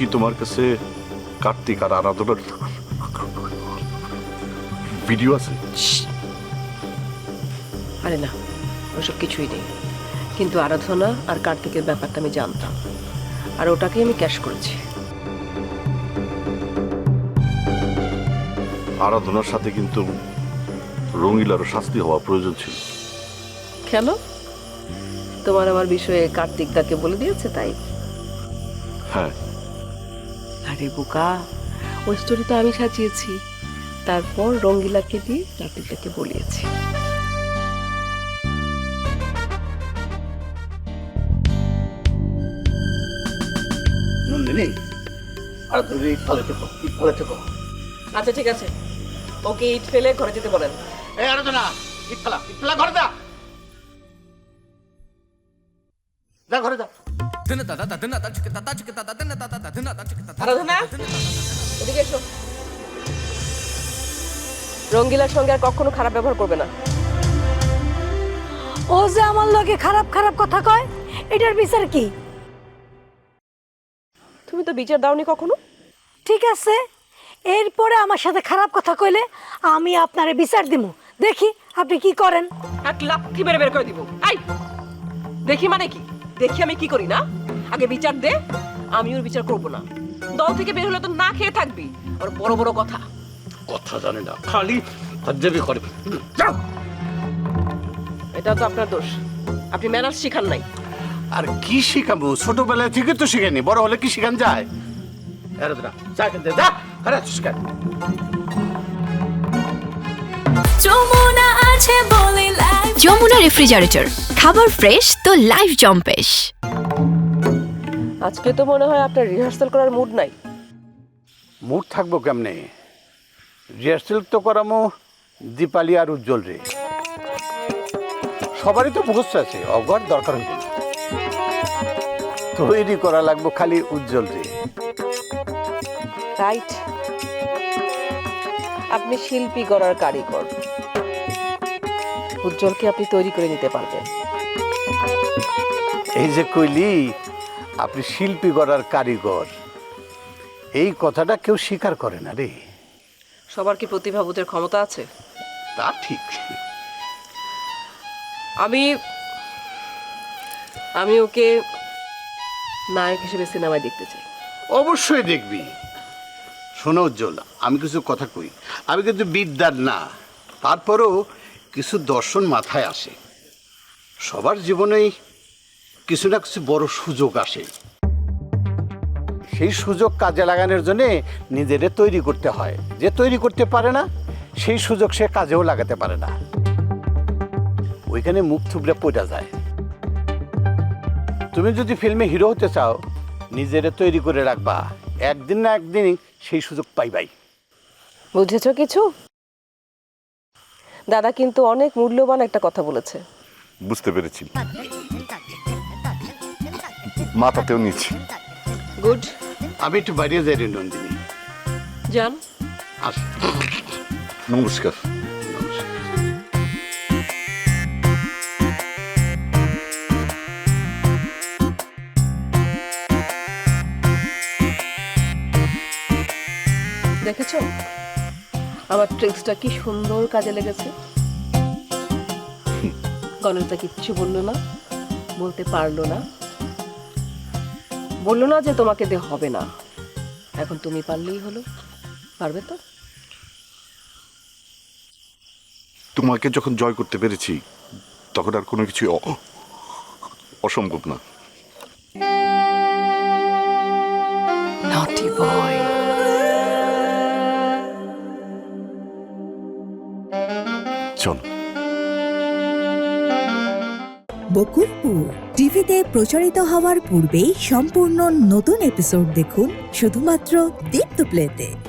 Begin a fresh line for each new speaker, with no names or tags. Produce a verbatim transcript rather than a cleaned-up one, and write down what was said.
কি তোমার কাছে কার্তিক আর আরাধনার ভিডিও আছে?
আরে না, ওসব কিছুই নেই, কিন্তু আরাধনা আর কার্তিকের ব্যাপারটা আমি জানতাম, আর ওটাকে আমি ক্যাশ করেছি।
আরাধনার সাথে কিন্তু রঙিলারও শাস্তি হওয়া প্রয়োজন ছিল।
কেন? তোমার আমার বিষয়ে কার্তিক তাকে বলে দিয়েছে তাই?
হ্যাঁ।
আরে বোকা, ওই স্টোরি তো আমি সাজিয়েছি, তারপর রঙ্গিলাকে দিয়ে কার্তিকটাকে বলিয়েছি।
নন্দিনী, আর তুমি তলে থেকো, তলে থেকো।
আচ্ছা ঠিক আছে, ওকে ইট ফেলে ঘরে যেতে বলেন।
এই আরাধনা, ইট ফেলা, ইট ফেলা, ঘরে যা। যা ঘরে যা।
আরাধনা, এদিকে এসো। রঙ্গিলার সঙ্গে আর কখনো খারাপ ব্যবহার করবে না।
ও যে আমার লগে খারাপ খারাপ কথা কয়, এটার বিচার কি?
তুমি তো বিচার দাওনি কখনো।
ঠিক আছে, এরপরে আমার সাথে খারাপ কথা কইলে আমি আপনারে বিচার দিব, দেখি আপনি কি করেন।
এক লাথি মেরে বের করে দিব। আই দেখি মানে কি? দেখি আমি কি করি না? আগে বিচার দে, আমি ওর বিচার করব না। দল থেকে বের হলে তো না খেয়ে থাকবি, আর বড় বড় কথা।
কথা জানে না, খালি হজ্জবি করে। যাও।
এটা তো আপনার দোষ, আপনি ম্যানার্স শিখান নাই।
আর কি শিখাবো? ছোটবেলা থেকে তো শিখাইনি, বড় হলে কি শিখান যায়? আরাধনা, যা এখান থেকে, যা। আরে শিখান।
যমুনা আছে বলে লাইফ। যমুনা রেফ্রিজারেটর, খাবার ফ্রেশ তো লাইফ জম্পেশ।
আজকে তো মনে হয় আপনার রিহার্সাল করার মুড নাই।
মুড থাকবো কেমনে? রিহার্সেল তো করামো দীপালি আর উজ্জ্বল রে। সবারই তো মুখস্থ আছে, অগর দরকার হইব না। তৈরি করা লাগবো খালি উজ্জ্বল রে।
রাইট, আপনি শিল্পী গড়ার কারিগর, উজ্জ্বলকে আপনি তৈরি করে নিতে পারবেন।
এই যে কইলি আপনি শিল্পী গড়ার কারিগর, এই কথাটা কেউ স্বীকার করে না রে।
সবার কি প্রতিভা বোঝার ক্ষমতা আছে?
তা ঠিক।
আমি আমি ওকে নায়ক হিসেবে সিনেমায় দেখতে চাই।
অবশ্যই দেখবি। শোনো উজ্জ্বল, আমি কিছু কথা কই, আমি কিন্তু বিদ্যার না, তারপরেও কিছু দর্শন মাথায় আসে। সবার জীবনেই কিছু না কিছু বড় সুযোগ আসে, সেই সুযোগ কাজে লাগানোর জন্যে নিজেরে তৈরি করতে হয়। যে তৈরি করতে পারে না, সেই সুযোগ সে কাজেও লাগাতে পারে না, ওইখানে মুখ থুবড়ে পড়ে যায়। তুমি যদি ফিল্মে হিরো হতে চাও, নিজেরে তৈরি করে রাখবা, একদিন না একদিন সেই সুযোগ পাইবাই।
বুঝেছ কিছু? দাদা কিন্তু অনেক মূল্যবান একটা কথা বলেছে।
বুঝতে পেরেছি, মাথাতেও নিচ্ছি।
গুড।
আমি একটু বাইরে যাই রে নন্দিনী।
যান।
আস।
নমস্কার।
দেখেছো আমার ট্রিক্সটা কি সুন্দর কাজে লেগেছে? গণিতা কিচ্ছু বললো না, বলতে পারলো না, বললো না যে তোমাকে দে হবে না। এখন তুমি পারলেই হলো, পারবে তো?
তোমাকে যখন জয় করতে পেরেছি, তখন আর কোনো কিছু অসম্ভব না।
নটি বয়।
চল।
বকুলপুর টিভিতে প্রচারিত হওয়ার পূর্বেই সম্পূর্ণ নতুন এপিসোড দেখুন শুধুমাত্র দীপ্ত প্লেতে।